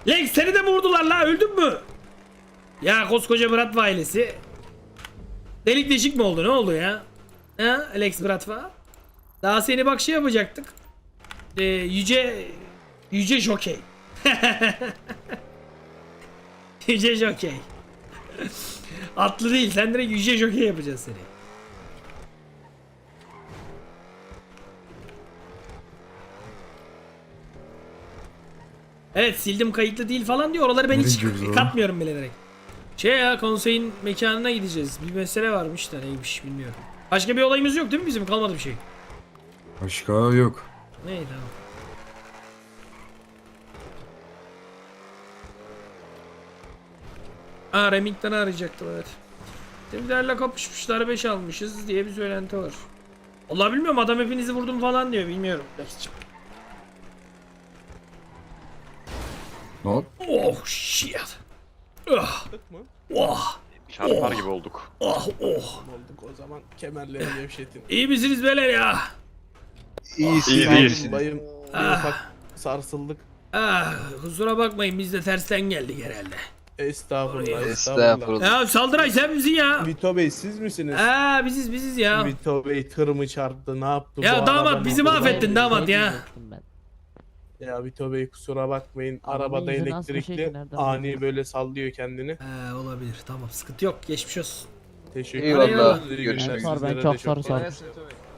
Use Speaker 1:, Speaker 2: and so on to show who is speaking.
Speaker 1: Lex seni de mi vurdular la? Öldün mü? Ya koskoca Bratva ailesi. Delik deşik mi oldu? Ne oldu ya? Ha Alex Bratva? Daha seni bak şey yapacaktık. Yüce Jokey. Yüce Jokey. Atlı değil. Sen direkt Yüce Jokey yapacağız seni. Evet sildim kayıtlı değil falan diyor. Oraları ben hiç katmıyorum bile direkt. Şey ya konseyin mekanına gideceğiz. Bir mesele varmış da neymiş bilmiyorum. Başka bir olayımız yok değil mi bizim? Kalmadı bir şey.
Speaker 2: Başka yok.
Speaker 1: Neydi tamam. Remington'ı arayacaktım evet. Demirlerle kapışmışlar 5 almışız diye bir söylenti var. Allah bilmiyorum adam hepinizi vurdum falan diyor bilmiyorum.
Speaker 2: Ne oldu?
Speaker 1: Oh shit. Oh.
Speaker 3: Mı?
Speaker 1: Oh.
Speaker 4: Çarpar gibi olduk.
Speaker 1: Oh oh.
Speaker 3: Olduk o zaman kemerleri gevşetin.
Speaker 1: İyi misiniz beyler ya?
Speaker 4: İyi
Speaker 3: Sağ olun
Speaker 4: değil.
Speaker 3: bayım. Bir
Speaker 1: Ah.
Speaker 3: ufak sarsıldık.
Speaker 1: Kusura bakmayın biz de tersten geldik herhalde.
Speaker 3: Estağfurullah.
Speaker 5: Estağfurullah.
Speaker 1: Ya Saldıray sen misin ya?
Speaker 3: Vito Bey siz misiniz?
Speaker 1: Biziz ya.
Speaker 3: Vito Bey tır mı çarptı ne yaptı?
Speaker 1: Ya
Speaker 3: bu
Speaker 1: damat
Speaker 3: araba
Speaker 1: bizi
Speaker 3: mı?
Speaker 1: mahvettin damat ya.
Speaker 3: Ya Vito Bey kusura bakmayın.
Speaker 5: Arabanın
Speaker 3: Arabada
Speaker 5: yüzünü asma
Speaker 3: elektrikli
Speaker 5: şeydi, nereden
Speaker 3: ani
Speaker 5: buldun?
Speaker 3: böyle sallıyor kendini.
Speaker 1: Olabilir tamam sıkıntı yok geçmiş olsun.
Speaker 3: Teşekkür
Speaker 5: Eyvallah.
Speaker 3: ederim. İyi
Speaker 4: Görüşmek
Speaker 3: günler.
Speaker 5: üzere. Ben
Speaker 3: Sizlere
Speaker 5: çok
Speaker 3: de
Speaker 5: sarı
Speaker 3: sağ olun.
Speaker 5: sarı.